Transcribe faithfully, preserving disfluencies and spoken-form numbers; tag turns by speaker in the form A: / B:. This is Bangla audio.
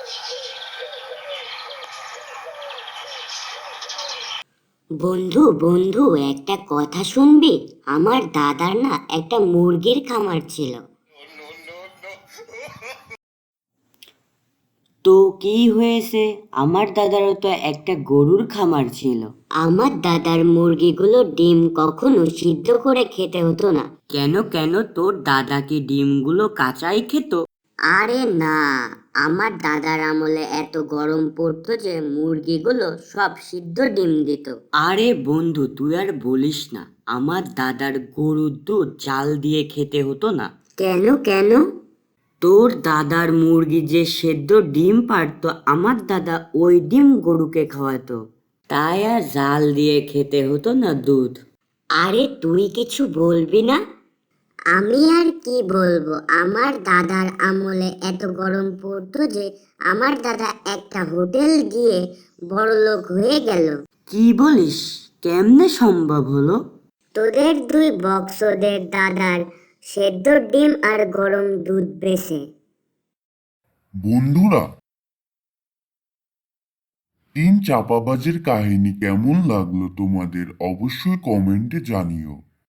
A: বন্ধু বন্ধু একটা কথা শুনবি? আমার দাদার না একটা মুরগির খামার ছিল।
B: তো কি হয়েছে? আমার দাদারও তো একটা গরুর খামার ছিল।
A: আমার দাদার মুরগিগুলো ডিম কখনো সিদ্ধ করে খেতে হতো না।
B: কেন কেন তোর দাদা কি ডিমগুলো কাঁচাই খেত?
A: আরে না, আমার দাদার আমলে এত গরম পড়তো যে মুরগিগুলো সব সিদ্ধ ডিম দিত।
B: আরে বন্ধু, তুই আর বলিস না, আমার দাদার গরুর দুধ জাল দিয়ে খেতে হতো না।
A: কেন কেন?
B: তোর দাদার মুরগি যে সেদ্ধ ডিম পারতো, আমার দাদা ওই ডিম গরুকে খাওয়াতো, তাই আর জাল দিয়ে খেতে হতো না দুধ।
A: আরে তুই কিছু বলবি না? আমি আর কি বলবো, আমার দাদার আমলে এত গরম পড়তো যে আমার দাদা একটা হোটেল গিয়ে বড়লোক হয়ে গেল।
B: কি বলিস? কেমনে সম্ভব হলো?
A: তোদের দুই বক্সদের দাদার সেদ্ধ ডিম আর গরম দুধ বেচে।
C: বন্ধুরা, তিন চাপাবাজের কাহিনী কেমন লাগলো তোমাদের অবশ্যই কমেন্টে জানিও।